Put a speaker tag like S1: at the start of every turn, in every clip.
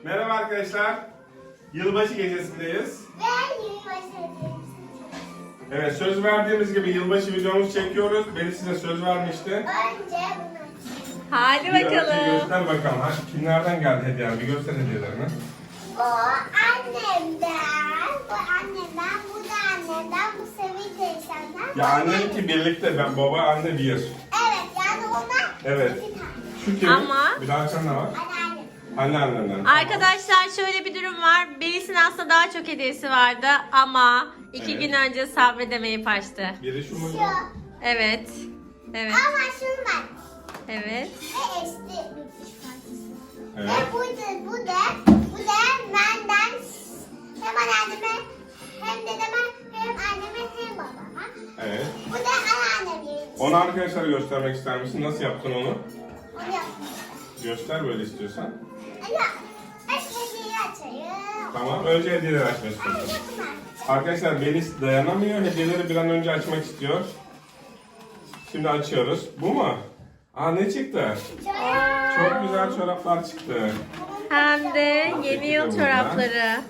S1: Merhaba arkadaşlar. Yılbaşı gecesindeyiz.
S2: Ben yılbaşı hediyesi.
S1: Evet, söz verdiğimiz gibi yılbaşı videomuzu çekiyoruz. Beni size söz vermişti.
S2: Önce bunu.
S3: Hadi
S1: Bir önce
S3: bakalım.
S1: göster bakalım. Ha, kimlerden geldi hediyeler? Bir göster hediyelerini.
S2: Bu annemden, bu annemden, bu da annemden, bu Sevinç teyzemden.
S1: Ya anneninki birlikte. Ben baba anne bir.
S2: Evet, yani onlar
S1: Evet.
S2: iki tane.
S1: Şu kim?
S3: Ama-
S1: Bir daha sen ne var?
S2: Anneannem.
S1: Anneannenden.
S3: Arkadaşlar şöyle bir durum var. Melis'in aslında daha çok hediyesi vardı ama 2
S1: Evet.
S3: gün önce sabredemeyip açtı.
S1: Biri şu muydu?
S2: Şu.
S3: Evet. Evet.
S2: Ama şunu ben.
S3: Evet.
S2: Ve eski bir diş parçası.
S1: Evet.
S2: Ve bu da benden hem anneanneme hem dedeme hem anneme hem babama.
S1: Evet.
S2: Bu da anneannemin.
S1: Onu arkadaşlara göstermek ister misin? Nasıl yaptın onu?
S2: Onu yaptım.
S1: Göster böyle istiyorsan.
S2: Ya, hediyeyi açayım.
S1: Tamam. Önce hediyeleri açmak
S2: Ay,
S1: istiyorsun.
S2: yapma.
S1: Arkadaşlar Melis dayanamıyor. Hediyeleri bir an önce açmak istiyor. Şimdi açıyoruz. Bu mu? Aa ne çıktı? Çok güzel çoraplar çıktı.
S3: Hem de yeni yıl çorapları.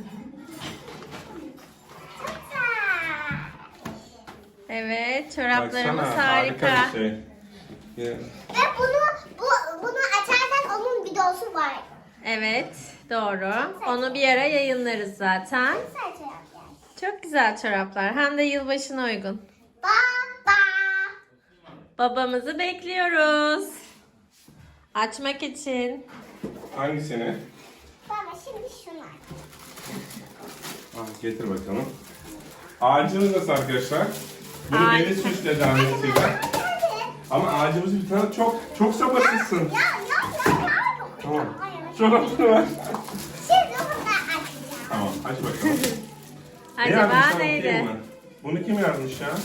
S3: Evet, çoraplarımız
S1: Baksana,
S3: harika.
S1: bir şey.
S2: Ve bunu açarsan onun videosu var.
S3: Evet, doğru. Onu bir ara yayınlarız zaten.
S2: Sadece yap yani.
S3: Çok güzel çoraplar. Hem de yılbaşına uygun.
S2: Baba.
S3: Babamızı bekliyoruz. Açmak için.
S1: Hangisini?
S2: Baba şimdi şunu aç.
S1: Ah, getir bakalım. Ağacımız nasıl arkadaşlar? Bunu
S3: Harika.
S1: Melis süsledi annesiyle.
S2: Hadi.
S1: Ama ağacımızı bir tane çok sabırsızsın.
S2: Ya.
S1: Tamam.
S2: Hayır.
S1: Çorabını ver.
S2: Şimdi bunu da açacağım.
S1: Tamam aç bakalım. Ne
S3: Acaba
S1: yazmış, sen
S3: neydi?
S1: okuyayım mı? Bunu kim yazmış ya?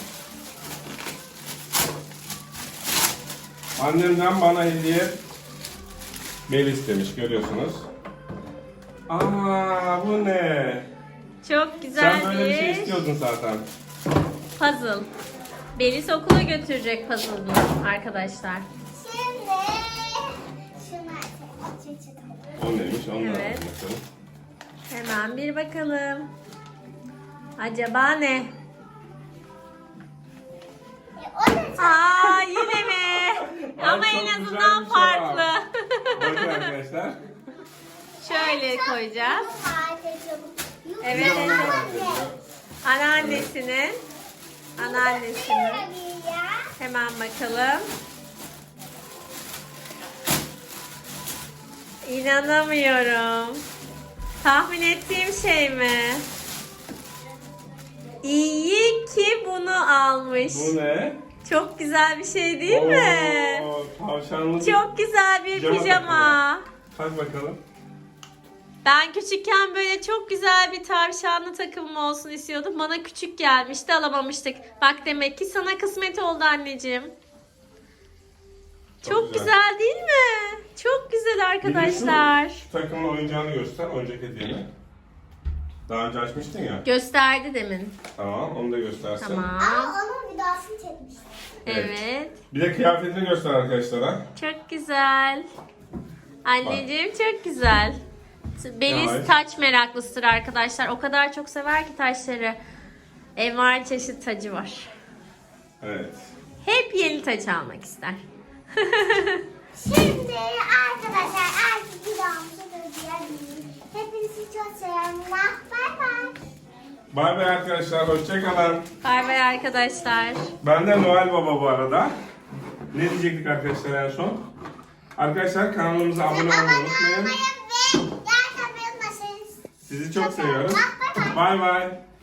S1: Annemden bana hediye Melis demiş, görüyorsunuz. Aa bu ne?
S3: Çok güzel
S1: Sen böyle bir şey
S3: bir
S1: istiyordun zaten.
S3: puzzle. Melis okula götürecek puzzle'ını arkadaşlar.
S2: Şimdi şunu açacağım.
S1: O neymiş? Onu da
S3: Evet.
S1: bakalım.
S3: Hemen bir bakalım. Acaba ne?
S2: O da
S3: Aa yine mi?
S1: Ay,
S3: Ama
S1: çok
S3: en
S1: güzel
S3: azından
S1: bir çorap.
S3: farklı.
S1: Bakın arkadaşlar.
S3: Şöyle koyacağız. Evet,
S2: Evet.
S3: evet. Anneannesinin. Anneannesinin. Hemen bakalım. İnanamıyorum. Tahmin ettiğim şey mi? İyi ki bunu almış.
S1: Bu ne?
S3: Çok güzel bir şey değil mi?
S1: Oo, tavşanlı.
S3: Çok güzel bir
S1: Pijama
S3: pijama.
S1: Hadi bakalım.
S3: Ben küçükken böyle çok güzel bir tavşanlı takımım olsun istiyordum. Bana küçük gelmişti, alamamıştık. Bak demek ki sana kısmet oldu anneciğim. Çok güzel değil mi? Çok güzel arkadaşlar.
S1: Şu takımın oyuncağını göster, oyuncak hediyeni. Daha önce açmıştın ya.
S3: Gösterdi demin.
S1: Tamam, onu da göstersin.
S3: Tamam.
S2: Ama onun videosunu çekmiştim.
S3: Evet.
S1: Bir de kıyafetini göster arkadaşlara.
S3: Çok güzel. Anneciğim çok güzel. Melis
S1: Evet.
S3: taç meraklısıdır arkadaşlar. O kadar çok sever ki taşları. Envai çeşit tacı var.
S1: Evet.
S3: Hep yeni taç almak ister.
S2: Şimdi arkadaşlar artık videomuzu durdurabiliriz. Hepinizi çok seviyorum. Bay bay.
S1: Bay bay arkadaşlar, hoşçakalın.
S3: Bay bay arkadaşlar.
S1: Ben de Noel Baba bu arada. Ne diyecektik arkadaşlar en son? Arkadaşlar kanalımıza abone olmayı
S2: Abone
S1: unutmayın.
S2: olmayı ve like atmayı unutmayın.
S1: Sizi çok seviyoruz.
S2: Bay bay.
S1: Bay bay.